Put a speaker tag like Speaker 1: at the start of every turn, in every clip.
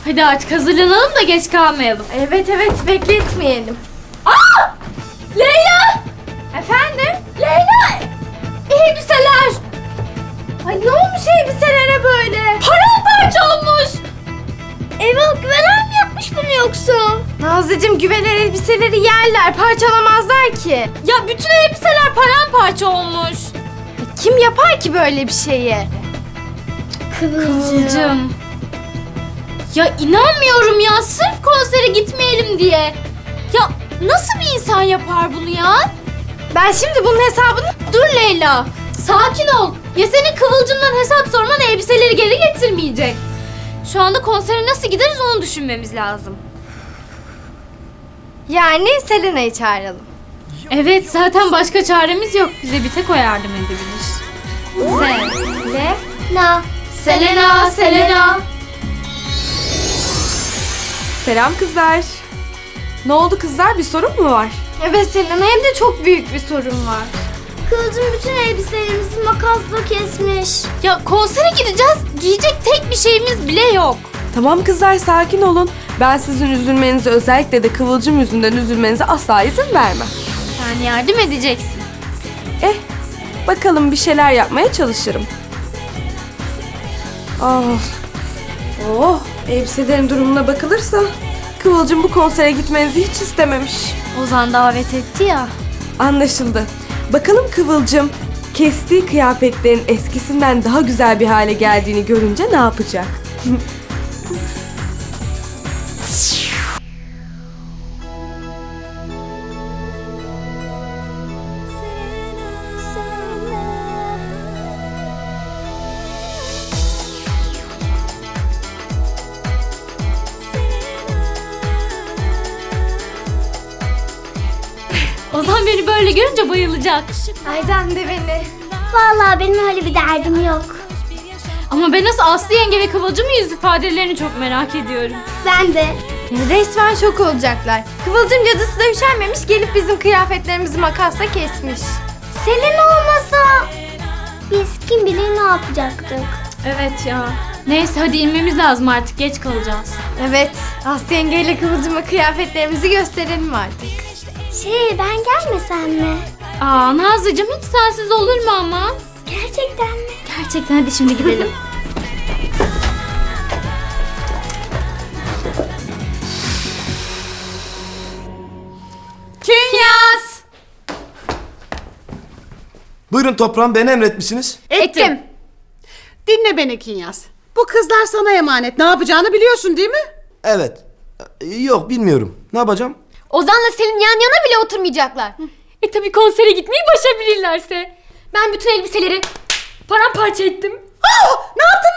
Speaker 1: Hadi artık hazırlanalım da geç kalmayalım.
Speaker 2: Evet bekletmeyelim.
Speaker 1: Aa! Leyla!
Speaker 2: Efendim?
Speaker 1: Leyla! Elbiseler!
Speaker 2: Ay ne olmuş elbiselere böyle?
Speaker 1: Paramparça olmuş!
Speaker 2: Eyvah güveler mi yapmış bunu yoksa? Nazlıcığım güveler elbiseleri yerler, parçalamazlar ki.
Speaker 1: Ya bütün elbiseler paramparça olmuş.
Speaker 2: Kim yapar ki böyle bir şeyi?
Speaker 1: Kıvılcım. Ya inanmıyorum ya, sırf konsere gitmeyelim diye. Ya nasıl bir insan yapar bunu ya?
Speaker 2: Ben şimdi bunun hesabını...
Speaker 1: Dur Leyla, sakin ol. Ya senin Kıvılcım'dan hesap sorman elbiseleri geri getirmeyecek. Şu anda konsere nasıl gideriz onu düşünmemiz lazım.
Speaker 2: Yani Selena'yı çağıralım.
Speaker 1: Evet, zaten başka çaremiz yok. Bize bir tek o yardım edebilir.
Speaker 2: Selena.
Speaker 1: Selena, Selena.
Speaker 3: Selam kızlar. Ne oldu kızlar? Bir sorun mu var?
Speaker 2: Evet Selena, hem de çok büyük bir sorun var.
Speaker 4: Kılıcım bütün elbiselerimizi makasla kesmiş.
Speaker 1: Ya konsere gideceğiz. Giyecek tek bir şeyimiz bile yok.
Speaker 3: Tamam kızlar, sakin olun. Ben sizin üzülmenize, özellikle de Kıvılcım yüzünden üzülmenize asla izin vermem.
Speaker 1: Sen yardım edeceksin.
Speaker 3: Bakalım bir şeyler yapmaya çalışırım. Elbiselerin durumuna bakılırsa Kıvılcım bu konsere gitmenizi hiç istememiş.
Speaker 1: Ozan davet etti ya.
Speaker 3: Anlaşıldı. Bakalım Kıvılcım kestiği kıyafetlerin eskisinden daha güzel bir hale geldiğini görünce ne yapacak?
Speaker 1: Ozan beni böyle görünce bayılacak.
Speaker 2: Aydan de beni.
Speaker 4: Vallahi benim öyle bir derdim yok.
Speaker 1: Ama ben nasıl Aslı yenge ve Kıvılcım'ın yüz ifadelerini çok merak ediyorum.
Speaker 4: Ben de.
Speaker 2: Resmen şok olacaklar. Kıvılcım cadısı da üşenmemiş, gelip bizim kıyafetlerimizi makasla kesmiş.
Speaker 4: Selena olmasa biz kim bilir ne yapacaktık.
Speaker 1: Evet ya. Neyse hadi inmemiz lazım artık, geç kalacağız.
Speaker 2: Evet, Aslı yengeyle Kıvılcım'a kıyafetlerimizi gösterelim artık.
Speaker 4: Ben gelmesem mi?
Speaker 1: Aa Nazlıcığım, hiç sensiz olur mu ama?
Speaker 4: Gerçekten mi?
Speaker 1: Gerçekten, hadi şimdi gidelim. Kinyas!
Speaker 5: Buyurun toprağım, beni emretmişsiniz.
Speaker 1: Ettim.
Speaker 6: Dinle beni Kinyas. Bu kızlar sana emanet. Ne yapacağını biliyorsun değil mi?
Speaker 5: Evet. Yok, bilmiyorum. Ne yapacağım?
Speaker 1: Ozan'la Selin yan yana bile oturmayacaklar. Tabii konsere gitmeyi başarabilirlerse. Ben bütün elbiseleri paramparça ettim.
Speaker 6: Ne yaptın?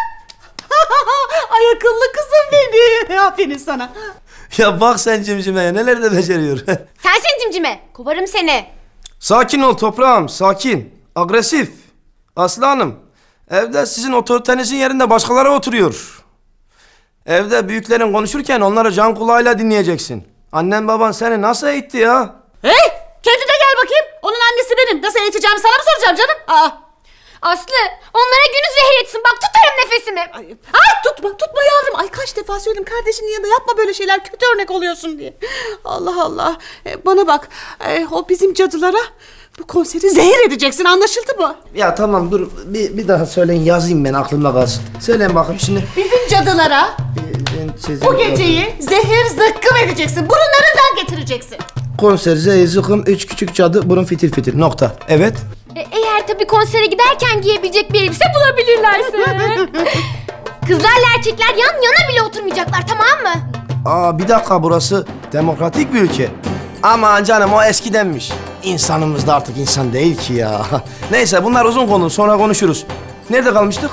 Speaker 6: Ay akıllı kızım benim. Aferin sana.
Speaker 5: Ya bak sen cimcimeye, neler de beceriyor.
Speaker 1: Sensin cimcime. Kovarım seni.
Speaker 5: Sakin ol toprağım, sakin. Agresif. Aslı Hanım, evde sizin otoritenizin yerinde başkaları oturuyor. Evde büyüklerin konuşurken onları can kulağıyla dinleyeceksin. Annen baban seni nasıl eğitti ya?
Speaker 6: Hey! Kendine gel bakayım. Onun annesi benim. Nasıl eğiteceğimi sana mı soracağım canım?
Speaker 1: Aslı, onlara günü zehir etsin. Bak tutarım nefesimi.
Speaker 6: Ay tutma yavrum. Ay kaç defa söyledim kardeşinin yanında yapma böyle şeyler. Kötü örnek oluyorsun diye. Allah Allah. Bana bak. O bizim cadılara bu konseri zehir edeceksin, anlaşıldı mı?
Speaker 5: Ya tamam dur, bir daha söyleyin, yazayım ben, aklımda kalsın. Söyleyin bakayım şimdi.
Speaker 6: Bizim cadılara bu geceyi zehir zıkkım edeceksin. Burunlarından getireceksin.
Speaker 5: Konser, zıkım, 3 küçük cadı, burun fitil fitil, nokta. Evet.
Speaker 1: Eğer tabii konsere giderken giyebilecek bir elbise bulabilirlerse. Kızlarla erkekler yan yana bile oturmayacaklar, tamam mı?
Speaker 5: Aa bir dakika, burası demokratik bir ülke. Aman canım, o eskidenmiş. İnsanımız da artık insan değil ki ya. Neyse, bunlar uzun konu, sonra konuşuruz. Nerede kalmıştık?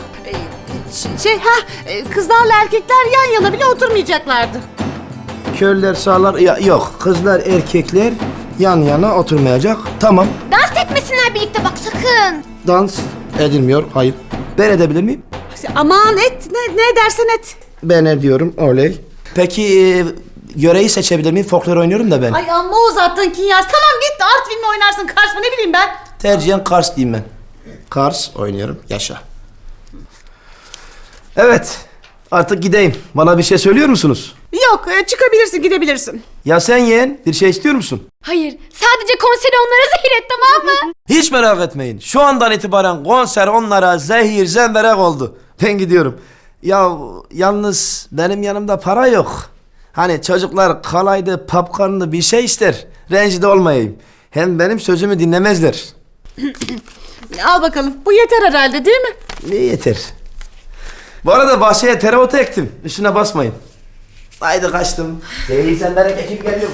Speaker 6: Kızlarla erkekler yan yana bile oturmayacaklardı.
Speaker 5: Körler sağlar, yok, kızlar erkekler yan yana oturmayacak. Tamam.
Speaker 1: Dans etmesinler birlikte bak, sakın.
Speaker 5: Dans edilmiyor, hayır. Ben edebilir miyim?
Speaker 6: Aman et, ne dersen et.
Speaker 5: Ben ediyorum, oley. Peki yöreyi seçebilir miyim? Folklor oynuyorum da ben.
Speaker 6: Ay amma uzattın Kinyas. Tamam git de Artvin mi oynarsın, Kars mı, ne bileyim ben.
Speaker 5: Tercihen Kars diyeyim ben. Kars oynuyorum, yaşa. Evet, Artık gideyim. Bana bir şey söylüyor musunuz?
Speaker 6: Yok, çıkabilirsin, gidebilirsin.
Speaker 5: Ya sen yeğen bir şey istiyor musun?
Speaker 1: Hayır, sadece konseri onlara zehir et, tamam mı?
Speaker 5: Hiç merak etmeyin. Şu andan itibaren konser onlara zehir zemberek oldu. Ben gidiyorum. Ya yalnız benim yanımda para yok. Hani çocuklar kalaydı, popcorn'lı bir şey ister. Rencide olmayayım. Hem benim sözümü dinlemezler.
Speaker 6: Al bakalım, bu yeter herhalde değil mi?
Speaker 5: Ne yeter. Bu arada bahçeye tereotu ektim. Üstüne basmayın. Haydi kaçtım. Zehir zemberek ekip geliyor.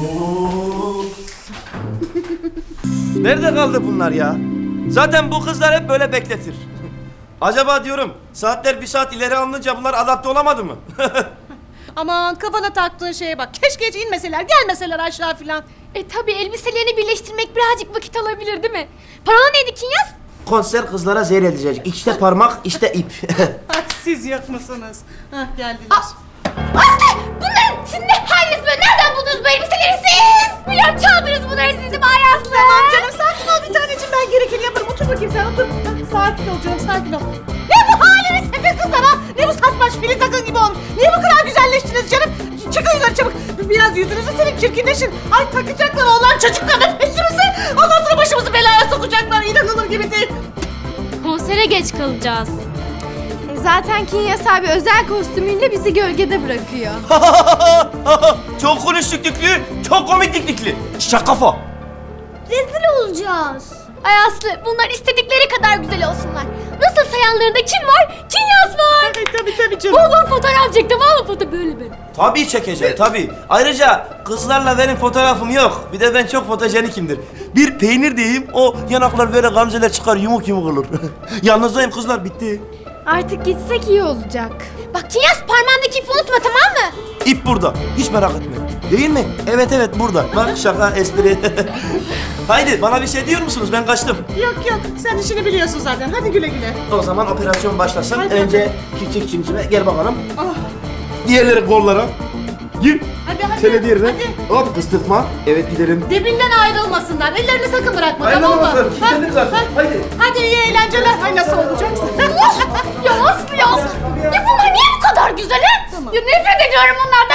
Speaker 5: Nerede kaldı bunlar ya? Zaten bu kızlar hep böyle bekletir. Acaba diyorum saatler bir saat ileri alınınca bunlar adapte olamadı mı?
Speaker 6: Aman kafana taktığın şeye bak. Keşke hiç inmeseler, gelmeseler aşağı filan.
Speaker 1: Tabii elbiselerini birleştirmek birazcık vakit alabilir değil mi? Parola neydi Kinyas?
Speaker 5: Konser kızlara zehir edecek. İşte parmak, işte ip.
Speaker 6: Ay, siz yok musunuz? Hah, geldiler.
Speaker 1: Aslı! Bunların sizin ne haliniz böyle? Nereden buldunuz bu elbiseleri siz? Biliyorum çaldınız bunları siz de Bay Aslı.
Speaker 6: Tamam canım, sakin ol bir taneciğim, ben gerekeni yaparım. Otur bakayım sen, otur. Sakin ol canım, sakin ol. Ne bu haliniz Sefer kızlar ha? Ne bu saçmaş filiz takın gibi olmuş? Niye bu kadar güzelleştiniz canım? Çıkın yukarı çabuk. Biraz yüzünüzü silin, çirkinleşin. Ay takacaklar onlar çocuklarla peşimize. Ondan sonra başımızı belaya sokacaklar. İnanılır gibi değil.
Speaker 1: Konsere geç kalacağız.
Speaker 2: Zaten Kinyas abi özel kostümüyle bizi gölgede bırakıyor.
Speaker 5: Çok konuştuk Diklü, çok komik Diklü. Şaka kafa.
Speaker 4: Rezil olacağız.
Speaker 1: Ay Aslı bunlar istedikleri kadar güzel olsunlar. Nasıl yanlarında kim var? Kinyas var.
Speaker 6: Tabii canım.
Speaker 1: Bol bol fotoğraf çek tamam mı? Foto böyle.
Speaker 5: Tabii çekeceğim, tabii. Ayrıca kızlarla benim fotoğrafım yok. Bir de ben çok fotojenikimdir. Bir peynir diyeyim, o yanaklar böyle gamzeler çıkar, yumuk yumuk olur. Yalnızdayım kızlar, bitti.
Speaker 2: Artık gitsek iyi olacak.
Speaker 1: Bak Kinyas parmağındaki ipi unutma tamam mı?
Speaker 5: İp burada, hiç merak etme. Değil mi? Evet burada. Bak şaka, espri. Haydi bana bir şey diyor musunuz? Ben kaçtım.
Speaker 6: Yok sen işini biliyorsun zaten. Hadi güle güle.
Speaker 5: O zaman operasyon başlasın.
Speaker 6: Hadi
Speaker 5: Önce küçük cimcime, gel bakalım.
Speaker 6: Ah.
Speaker 5: Diğerleri kollara. Gir.
Speaker 6: Hadi.
Speaker 5: Şöyle diğerine.
Speaker 6: Hadi.
Speaker 5: Hop kıstırtma. Evet gidelim.
Speaker 6: Dibinden ayrılmasınlar. Ellerini sakın bırakma, tamam mı?
Speaker 5: Ayrılamazlar. Kilitlendim zaten.
Speaker 6: Ha?
Speaker 5: Haydi.
Speaker 6: Hadi iyi eğlenceler. Ay nasıl olacaksa.
Speaker 1: Ya Aslı ya. Ya bunlar niye bu kadar güzel he? Ya nefret ediyorum bunlardan.